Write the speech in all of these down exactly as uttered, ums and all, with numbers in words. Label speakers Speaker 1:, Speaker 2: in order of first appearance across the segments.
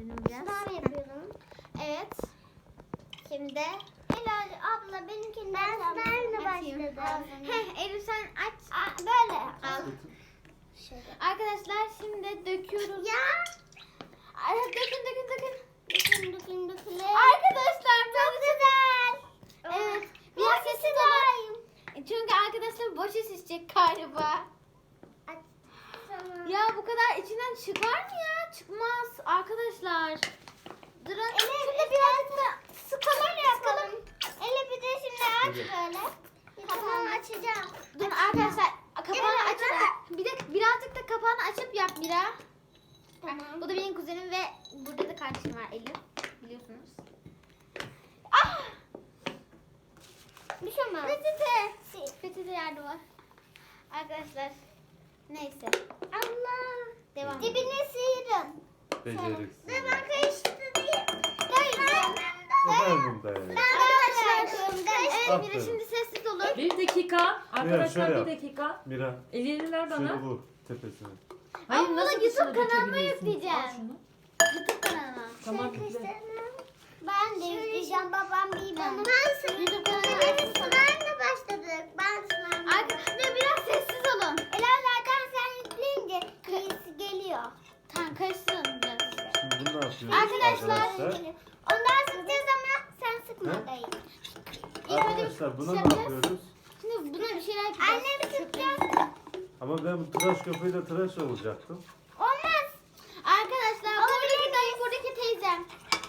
Speaker 1: benim biraz.
Speaker 2: Sınav yapıyorum.
Speaker 1: Evet. Şimdi
Speaker 2: Helal abla benimkinden ben sınavla
Speaker 1: açayım.
Speaker 2: başladım.
Speaker 1: Heh, Elif sen aç.
Speaker 2: Aa, böyle.
Speaker 1: Al.
Speaker 2: Şöyle.
Speaker 1: Arkadaşlar şimdi döküyoruz.
Speaker 2: Ya.
Speaker 1: Ay, dökün dökün dökün.
Speaker 2: Dökün dökün dökün.
Speaker 1: Arkadaşlar
Speaker 2: Çok güzel.
Speaker 1: evet. Biraz sessiz olun. Çünkü arkadaşlar boşa şişecek galiba.
Speaker 2: Tamam.
Speaker 1: Ya bu kadar içinden çıkar mı ya? Çıkmaz arkadaşlar. Durun.
Speaker 2: Ele biraz da sıkalım yapalım. Ele bir de şimdi aç böyle. Kapağını açacağım.
Speaker 1: Dur arkadaşlar kapağını
Speaker 2: Evet,
Speaker 1: açıp bir de birazcık da kapağını açıp yap Mira.
Speaker 2: Tamam.
Speaker 1: Bu da benim kuzenim ve burada da kardeşim var Elif. Biliyorsunuz. Ah!
Speaker 2: Bir şey olmaz.
Speaker 1: Peçete. Peçete yardım var. Arkadaşlar. Neyse.
Speaker 2: Allah.
Speaker 1: Devam.
Speaker 2: Dibine sıyırın.
Speaker 3: Beceriksiz.
Speaker 2: Dur ben karıştırayım.
Speaker 3: Efendim dayı.
Speaker 1: Arkadaşlar. Evet,
Speaker 3: Aferin.
Speaker 1: Mira şimdi sessiz olun.
Speaker 4: Bir dakika. Arkadaşlar
Speaker 3: şöyle
Speaker 4: bir
Speaker 3: yap.
Speaker 4: dakika.
Speaker 3: Mira.
Speaker 4: Elini ver bana.
Speaker 3: Şöyle vur tepesine.
Speaker 4: Hayır,
Speaker 1: Ama bunu
Speaker 4: nasıl
Speaker 1: YouTube
Speaker 4: dışına
Speaker 1: kanalıma
Speaker 4: dökebiliyorsun?
Speaker 1: yükleyeceğim.
Speaker 4: Al şunu.
Speaker 1: YouTube kanalıma.
Speaker 4: Tamam yükle.
Speaker 2: Ben de yükleyeceğim babam bilmem. Ben
Speaker 1: YouTube kanalıma.
Speaker 2: sınavla başladık. Ben sınavla.
Speaker 1: Arkadaşlar biraz sessiz olun.
Speaker 2: Ela zaten sen yükleyince kıyısı geliyor.
Speaker 1: Tamam karıştırın biraz.
Speaker 3: Şimdi bunu ne yapıyoruz
Speaker 1: Arkadaşlar,
Speaker 3: arkadaşlar?
Speaker 2: Ondan sıkacağız ama sen sıkma
Speaker 3: He?
Speaker 2: dayı.
Speaker 3: Arkadaşlar buna ne
Speaker 1: yapacağız?
Speaker 3: yapıyoruz?
Speaker 1: Şimdi buna bir şeyler yapacağız.
Speaker 2: Annem sıkacağız.
Speaker 3: Ama ben bu tıraş köpüğüyle tıraş olacaktım.
Speaker 2: Olmaz.
Speaker 1: Arkadaşlar buradaki dayı buradaki teyzem.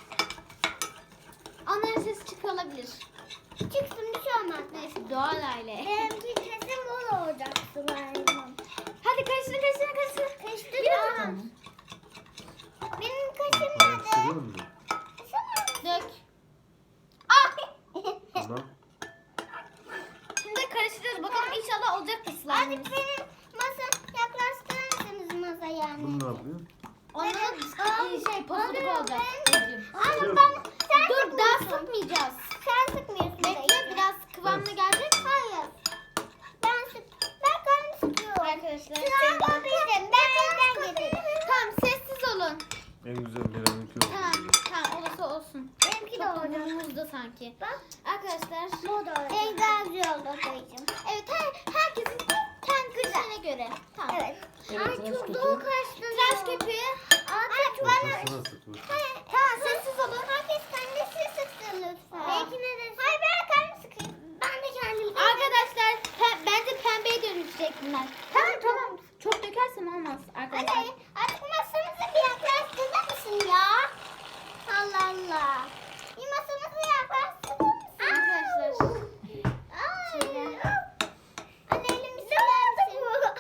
Speaker 1: Onların sesi çıkıyor olabilir.
Speaker 2: Çıksın bir şey olmaz.
Speaker 1: Neyse doğal aile.
Speaker 2: Benimki kesin bol olacak slime'ım.
Speaker 1: Hadi karıştırın karıştırın karıştırın.
Speaker 2: Kaçtı
Speaker 1: Biraz.
Speaker 2: da. Benim kaşım
Speaker 3: Karıştırıyor
Speaker 2: nerede?
Speaker 3: mu?
Speaker 1: Dök. Ah!
Speaker 3: Tamam.
Speaker 1: Şimdi karıştırıyoruz. Bakalım inşallah olacak mı slime?
Speaker 2: Hadi benim masa yaklaştırır mısınız masaya?
Speaker 3: Bunu ne yapıyor?
Speaker 1: Onda da şey pofuduk olacak.
Speaker 2: Ama
Speaker 3: Yok.
Speaker 2: ben sen
Speaker 1: Dur daha
Speaker 2: sıkmıyorsun.
Speaker 1: sıkmayacağız.
Speaker 2: Sen sıkmıyorsun.
Speaker 1: Bekle
Speaker 2: dayı.
Speaker 1: biraz kıvamına gelecek.
Speaker 2: Hayır. Ben sık. Ben kendim sıkıyorum.
Speaker 1: Arkadaşlar.
Speaker 2: Sıra koydum. Ben elden getirdim.
Speaker 1: Tamam sessiz olun.
Speaker 3: En güzel Mira'nınki oldu.
Speaker 1: Tamam tamam olursa olsun.
Speaker 2: Benimki de olacak.
Speaker 1: Toplumumuzda sanki.
Speaker 2: Bak.
Speaker 1: Arkadaşlar.
Speaker 2: Bu da olacak. En daha güzel oldu dayıcım.
Speaker 1: Evet her, herkesin kendi kişiliğine göre. Tamam.
Speaker 2: Evet.
Speaker 4: Evet,
Speaker 2: Ay
Speaker 4: tıraş
Speaker 2: çok
Speaker 4: köpüğü.
Speaker 2: doğu kaçtı.
Speaker 1: Tıraş köpüğü.
Speaker 2: Ay çok bana.
Speaker 3: Ortasına sık vur.
Speaker 1: Tamam sessiz olun.
Speaker 2: Herkes kendisi sıksın lütfen. Belki ne de. Hayır ben kendim sıkayım. Ben de kendim.
Speaker 1: Arkadaşlar pe- bence pembeye dönüşecek bunlar. Tamam tamam. Çok dökersem olmaz arkadaşlar.
Speaker 2: Hadi artık masamızı bir yaklaştırır mısın ya? Allah Allah. Bir masamızı yaklaştırır mısın?
Speaker 1: Arkadaşlar.
Speaker 2: Ay. Anne elimizi versin.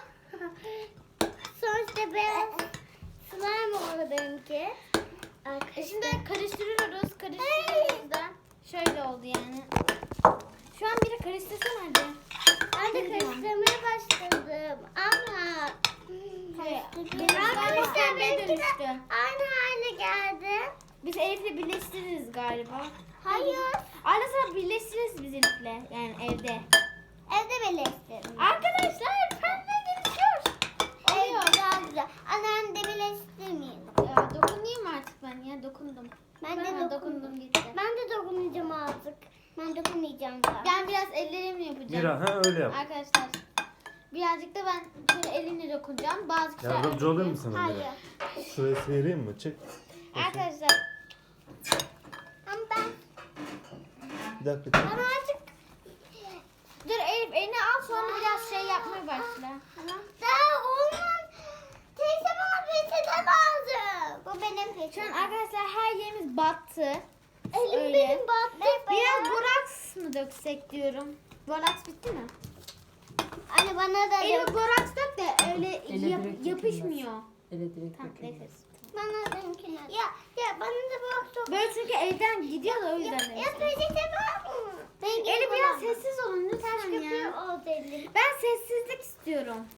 Speaker 2: Sonuçta ben slime oldu benimki.
Speaker 1: E şimdi karıştırıyoruz. Karıştırıyoruz da. Şöyle oldu yani. Şu an biri karıştırsana hadi.
Speaker 2: Ben de karıştırmaya başladım ama
Speaker 1: Hayır.
Speaker 2: arkadaşlar
Speaker 1: pembeye
Speaker 2: benimki de
Speaker 1: dönüştü.
Speaker 2: aynı hale geldi.
Speaker 1: Biz Elif'le birleştiririz galiba.
Speaker 2: Hayır.
Speaker 1: Arada sıra birleştiririz biz Elif'le. Yani evde.
Speaker 2: Evde birleştirdim.
Speaker 1: Arkadaşlar pembe dönüşüyor. Oluyor.
Speaker 2: Evet daha güzel. Annem de birleştirmeyelim.
Speaker 1: Ya, dokunayım artık ben ya dokundum.
Speaker 2: Ben de
Speaker 1: Ha,
Speaker 2: dokundum.
Speaker 1: dokundum gitti.
Speaker 2: Ben de dokunacağım artık. Ben dokunmayacağım daha.
Speaker 1: Ben biraz ellerimle yapacağım.
Speaker 3: Mira ha öyle yap.
Speaker 1: Arkadaşlar birazcık da ben şöyle elimle dokunacağım. Bazı kişiler
Speaker 3: Yardımcı olayım mı sana
Speaker 2: Hayır.
Speaker 3: Mira? Şuraya sıyırayım mı? Çek.
Speaker 1: Arkadaşlar
Speaker 2: Ama ben,
Speaker 3: Bir dakika çek.
Speaker 2: ben artık
Speaker 1: dur Elif elini al sonra biraz şey yapmaya başla.
Speaker 2: daha olmaz. Teyze bana peçete lazım. Bu benim
Speaker 1: Şu an
Speaker 2: peçetem.
Speaker 1: arkadaşlar her yerimiz battı.
Speaker 2: Elim
Speaker 1: Öyle.
Speaker 2: benim battı.
Speaker 1: Biraz boraks mı döksek diyorum. Boraks bitti mi?
Speaker 2: Anne bana da
Speaker 1: Elif
Speaker 2: dök.
Speaker 1: boraks dök de öyle
Speaker 4: Ele
Speaker 1: yap-
Speaker 4: direkt
Speaker 1: yapışmıyor.
Speaker 4: Elektrik
Speaker 1: Tamam
Speaker 4: dökülmez.
Speaker 1: neyse.
Speaker 2: Bana dönküne. Ya ya bana da bak çok.
Speaker 1: Böyle çünkü evden gidiyor da o
Speaker 2: Ya,
Speaker 1: yüzden.
Speaker 2: ya
Speaker 1: neyse.
Speaker 2: peçete var mı? Ben
Speaker 1: Elif biraz sessiz olun
Speaker 2: Ters
Speaker 1: lütfen
Speaker 2: köpüğü
Speaker 1: ya.
Speaker 2: oldu elim.
Speaker 1: Ben sessizlik istiyorum.